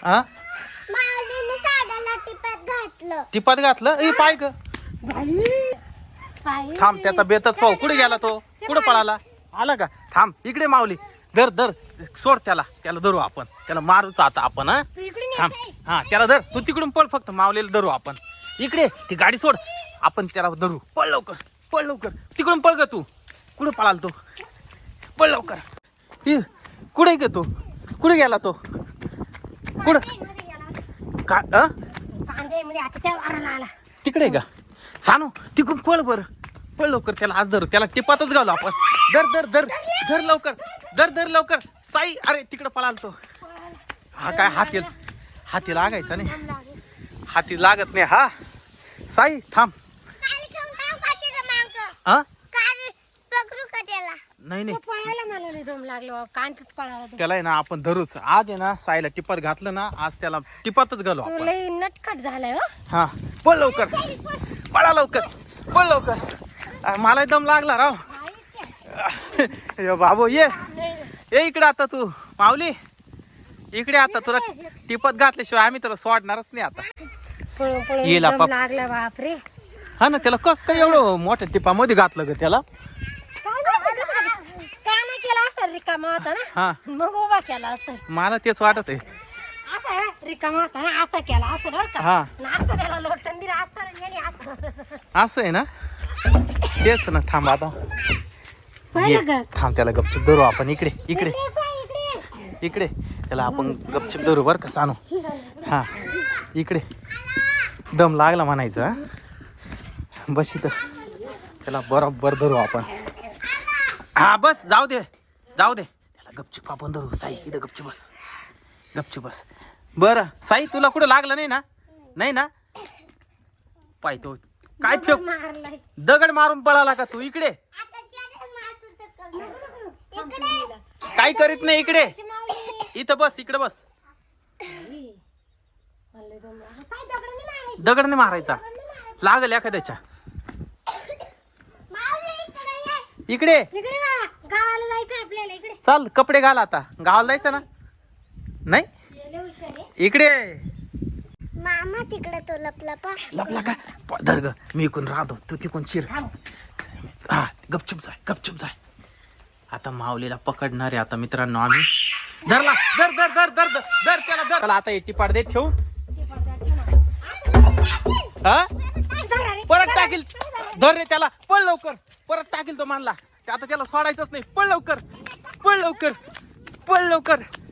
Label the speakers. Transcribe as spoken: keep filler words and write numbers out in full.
Speaker 1: हा
Speaker 2: माऊलीने साड्याला टिपात घातलं.
Speaker 1: टिपात घातलं ए पाय ग थांब त्याचा बेतच पाहू कुठे गेला तो कुठं पळाला आला का थांब इकडे माऊली धर धर सोड त्याला त्याला धरू आपण त्याला मारूच आता आपण हा थांब हा त्याला धर तू तिकडून पळ फक्त माऊलीला धरू आपण इकडे ती गाडी सोड आपण त्याला धरू पळ लवकर पळ लवकर तिकडून पळ ग तू कुठं पळाल तो पळ लवकर हि कुठे ग तू कुठे गेला तो कुठं का तिकडे का सानू तिकडून पळ बर पळ लवकर त्याला आज धरू त्याला टिपातच घालू आपण धर धर धर धर लवकर धर धर लवकर साई अरे तिकडे पळाल तो हा काय हाती हाती लागायचा नाही हाती लागत नाही हा साई थांब हा नाही नाही
Speaker 2: पळायला मला दम लागलो कांतीत पळायला
Speaker 1: त्याला आहे ना आपण धरूच आज आहे ना साईला टिपात घातलं ना आज त्याला टिपातच घालू आपण
Speaker 2: लय नटखट झालाय हो
Speaker 1: हा पळ लवकर पळा लवकर पळ लवकर मला दम लागला राव बाबू ये ये इकडे आता तू माऊली इकडे आता तुला टिपत घातल्याशिवाय आम्ही तुला सोडणारच नाही आता येईल आपण
Speaker 2: लागला बापरे
Speaker 1: हा ना त्याला कस काय एवढं मोठ्या टिपामध्ये घातलं ग त्याला
Speaker 2: केला असं रिकामा होता ना
Speaker 1: हा
Speaker 2: मग उभा केला असं
Speaker 1: मला तेच वाटत आहे
Speaker 2: असं रिकामा होता ना असं केला असं बरं का
Speaker 1: हा
Speaker 2: असं त्याला लोटन दिलं असं याने असं
Speaker 1: असं आहे ना तेच ना थांब आता
Speaker 2: पाहिलं का
Speaker 1: थांब त्याला गपचूप धरू आपण इकडे इकडे इकडे त्याला आपण गपचूप धरू बर का सानू हा इकडे दम लागला म्हणायचं हा बस इथं त्याला बरोबर धरू आपण हा बस जाऊ दे जाऊ दे त्याला गपचूप आपण धरू साई इथं गपचूप बस गपचूप बस बरं साई तुला कुठं लागलं नाही ना नाही ना पाहतो काय ठेव दगड मारून पळाला का तू इकडे काय करीत नाही इकडे इथं बस इकडे बस दगड नाही मारायचा लागल एखाद्याच्या इकडे
Speaker 2: गावाला जायचं आपल्याला इकडे
Speaker 1: चल कपडे घाल आता गावाला जायचं ना नाही इकडे
Speaker 2: मामा तिकडे तो लपला पा
Speaker 1: लपला का धर ग मी इकडून राहतो तू तिकडून शिर हा गपचूप जाय गपचूप जाय आता माऊलीला पकडणार आहे आता मित्रांनो आम्ही धरला धर धर धर धर धर धर त्याला धर त्याला आता एटी पाड दे ठेवून हा परत टाकील धर रे त्याला पळ लवकर परत टाकील तो मानला आता त्याला सोडायचंच नाही पळ लवकर पळ लवकर पळ लवकर